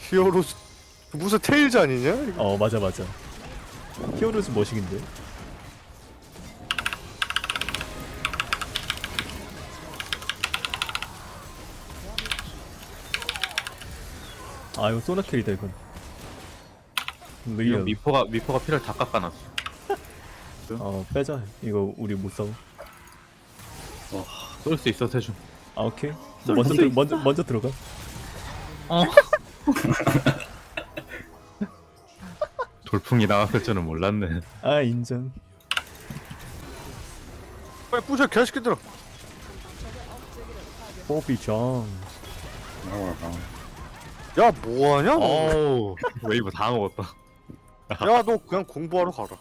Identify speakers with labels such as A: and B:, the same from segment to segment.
A: 히어로즈 무슨 테일즈 아니냐? 이거?
B: 맞아 맞아. 히어로즈 머신인데. 아 이거 소나킬이다 이건.
C: 이거
B: 리얼.
C: 미포가 피를 다 깎아놨어.
B: 빼자. 이거 우리 못 싸워.
C: 쏠 수 있어 세준.
B: 아 오케이.
D: 쏠
B: 먼저
D: 수도
B: 먼저 들어가.
C: 돌풍이 나왔을 줄은 몰랐네.
B: 아 인정.
A: 빨리 부셔 개새끼들아.
B: 뽀비정.
A: 야 뭐하냐 너?
C: 어우 웨이브 다 먹었다.
A: 야 너 그냥 공부하러 가라.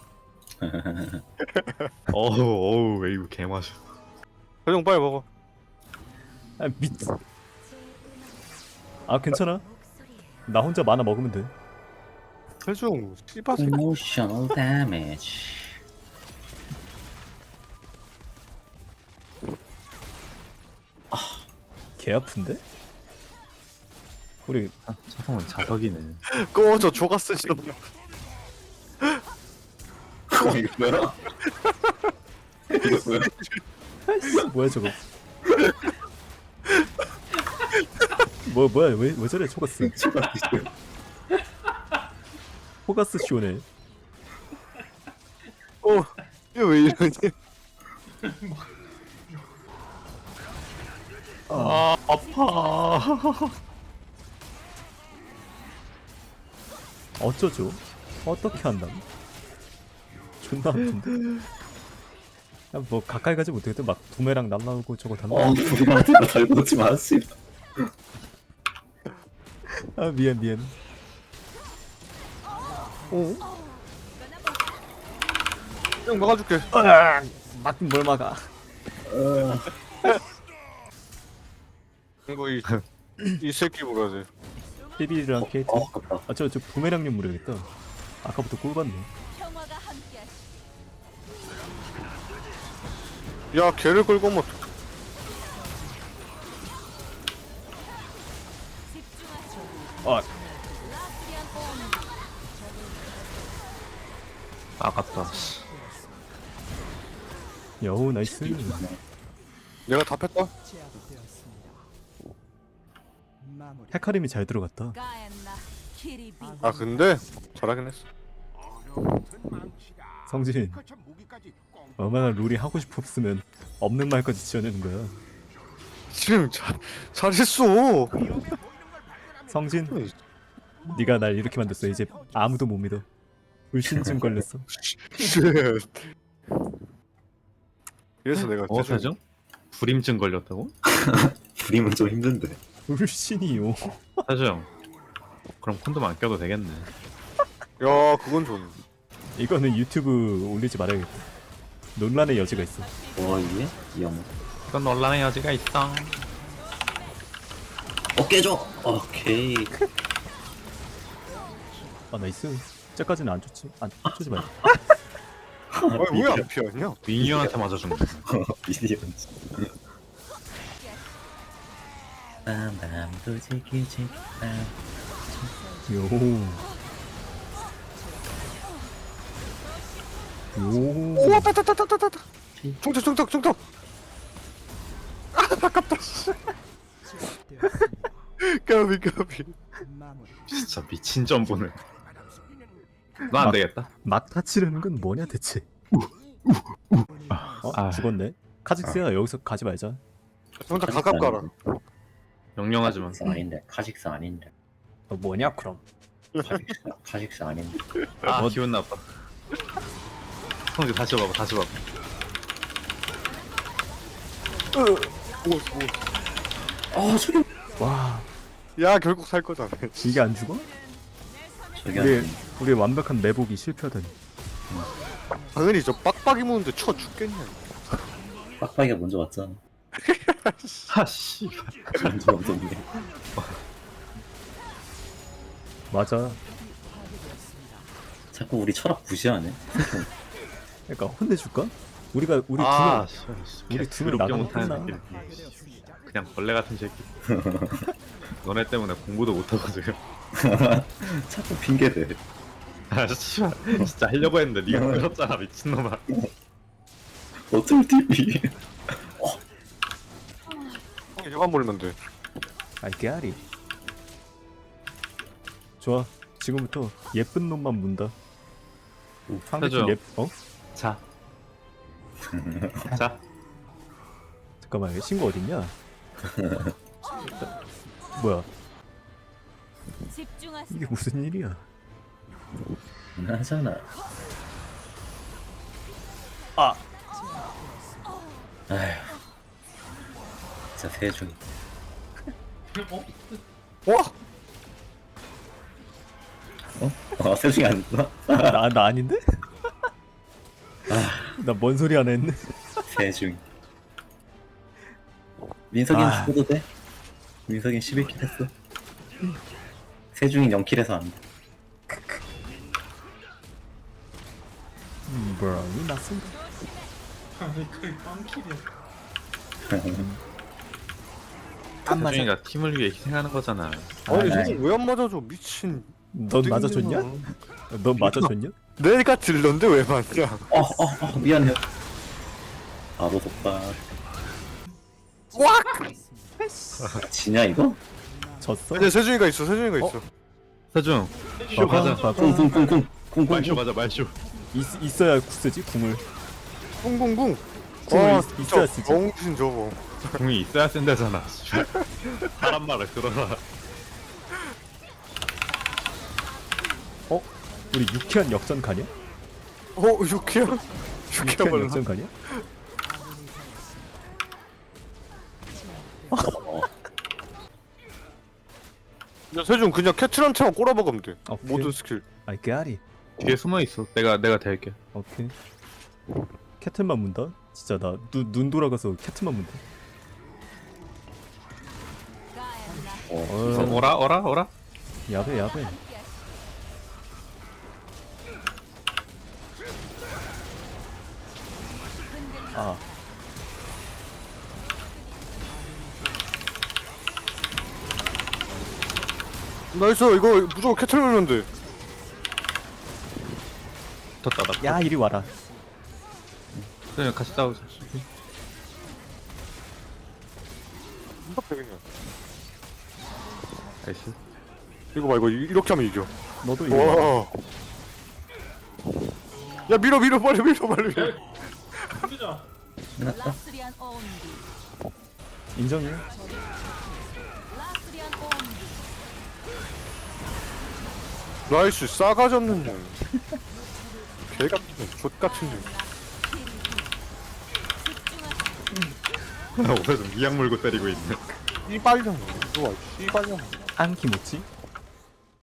C: 어우 웨이브 개마셔.
A: 형 빨리 먹어.
B: 아 미. 아 괜찮아. 나 혼자 만화 먹으면 돼.
A: 세중 씨발 새끼.
D: Emotional damage.
B: 개 아픈데? 우리
C: 차성은 자석이네.
A: 꺼져 조가스 좀.
D: 이거 뭐야? 이거 뭐야?
B: 뭐야 저거? 뭐야 왜 저래 초가스? 포가스 쇼네.
A: 이거 왜 이러니?
C: 아 아파.
B: 어쩌죠? 어떻게 한담? 존나 아픈데? 야, 뭐 가까이 가지 못하겠다. 막 두메랑 남 나오고 저거 다 나오고.
D: 우리랑 달고 놓지 마세요.
B: 아 미안. 오?
A: 형 막아줄게.
B: 막긴 뭘 막아?
A: 이거 이 새끼 뭐라 지
B: 피비랑 케이트.
D: 아깝다.
B: 저 부메랑님 모르겠다. 아까부터 꿀봤네.
E: 평화가 함께하시.
A: 야 걔를 끌고 뭐.
E: 집중하죠.
B: 아
E: 라스티안 온.
C: 아깝다.
B: 여우 나이스.
A: 내가 다 뺐다.
B: 헤카림이 잘 들어갔다.
E: 가엔나 키리비.
A: 아 근데 잘하긴 했어.
B: 성진 얼마나 룰이 하고 싶었으면 없는 말까지 지어내는 거야.
A: 지금 잘했어.
B: 성진 네가 날 이렇게 만들었어. 이제 아무도 못 믿어. 불신증 걸렸어.
A: 쉣. 그래서 내가
C: 세준? 불임증 걸렸다고?
D: 그림은 좀 힘든데.
B: 불신이요.
C: 세준. 그럼 콘돔 안 껴도 되겠네.
A: 야 그건 좋네.
B: 이거는 유튜브 올리지 말아야겠다. 논란의 여지가 있어.
D: 이게? 이 형.
C: 이건 논란의 여지가 있어.
D: 깨져. 오케이.
B: 아 나이스. 쟤까지는 안 좋지. 안 좋지 말자.
A: 아니 왜 안 피하냐?
C: 민유한테 맞아준 거.
D: 미니언. 밤밤도 지키지.
B: 요. 요.
A: 우와 따따따따따따. 총턱. 아 아깝다. 까비.
C: 진짜 미친 점보네. 너 안 되겠다.
B: 막 다치려는 건 뭐냐 대체?
C: 아.
B: 죽었네. 카직스야 여기서 가지 말자.
A: 혼자 가깝 가라.
C: 명령하지만.
D: 아닌데. 카직스 아닌데.
B: 뭐냐 그럼?
D: 카직스 아닌데.
C: 아 기분 나빠. 성지 다시 봐봐.
D: 저기.
B: 와
A: 야 결국 살 거잖아.
B: 이게 안 죽어?
D: 저기
B: 우리 완벽한 매복이 실패하다니.
A: 당연히 저 빡빡이 무는데 쳐 죽겠냐.
D: 빡빡이가 먼저 왔잖아.
C: 아씨.
D: 먼저 왔던데.
B: 맞아.
D: 자꾸 우리 철학 무시하네.
B: 그러니까 혼내줄까? 우리
C: 아,
B: 우리 두 명 나가면
C: 못하는
B: 끝나.
C: 새끼. 그냥 벌레 같은 새끼. 너네 때문에 공부도 못하거든.
D: 자꾸 핑계대.
C: 아 씨발 진짜 하려고 했는데 네가 그랬잖아 미친놈아.
D: 어쩔 TV.
A: 이거만 몰면 돼.
B: 아이 깨알이. 좋아. 지금부터 예쁜 놈만 문다. 상대팀
C: 해줘.
B: 어?
C: 자. 자.
B: 잠깐만 여기 친구 어딨냐? 뭐야
E: 집중하세요.
B: 이게 무슨 일이야?
D: 하잖아.
B: 아
D: 아휴. 진짜 세중.
A: 와!
D: 어? 세중이 아니구나?
B: 나 아닌데? 나 뭔 소리 하나 했네.
D: 세중. 민석이는
B: 아.
D: 죽어도 돼? 민석이는 11킬 했어. 세중이 0킬해서 안 돼.
B: 브라운이 났습니다. 안 맞아.
C: 세준이가 팀을 위해 희생하는 거잖아.
A: 아니
D: 아이.
A: 저거 왜안 맞아줘 미친.
B: 넌 맞아줬냐? 넌 맞아줬냐?
A: 내가 딜러인데 왜 맞냐?
D: 미안해요. 바로 속박.
A: 와!
D: 지냐 이거?
B: 졌어?
A: 이제 세준이가 있어. 세준이가 있어.
C: 세준 쇼 가자.
D: 쿵쿵쿵쿵 쿵쿵쿵.
C: 말쇼 가자 말쇼.
B: 있어야 쓰지 궁을.
A: 쿵쿵쿵.
B: 궁을
A: 와,
B: 있어야
A: 진짜
B: 쓰지.
A: 정신 저거.
C: 공이 있어야 쓴다잖아. 씨발. 사람 말을 들어라.
B: 우리 유쾌한 역전 가냐?
A: 유키야? 유키야
B: 유쾌한
A: 말라.
B: 역전 가냐?
A: 야 세준 그냥 캐트런처럼 꼬라박으면 돼.
B: 오케이.
A: 모든 스킬.
B: 아이 깨알이.
C: 뒤에 숨어 있어. 내가 될게.
B: 오케이. 캐틀만 문다? 진짜 나 눈 돌아가서 캐틀만 문다.
E: 가엔나
C: 오라.
B: 야배.
E: 함께하시오.
B: 아
A: 나이스 이거 무조건 캐틀 밀면 돼.
C: 더 따다.
B: 야 이리 와라.
C: 세준 같이 싸우자.
A: 그냥.
C: 나이스.
A: 이거 봐 이거 이렇게 하면 이겨.
B: 너도 이리 와라.
A: 와. 야 밀어 빨리 밀어.
E: 라스리안 온디.
B: 인정해.
E: 라스리안 온디.
A: 나이스 싸가지 없는 년. 개 같은 년, 족 같은 년.
E: 집중하세요.
C: 오늘 좀 미약 물고 때리고 있네.
A: 씨발년. 이거 봐 씨발년.
B: 안키모치?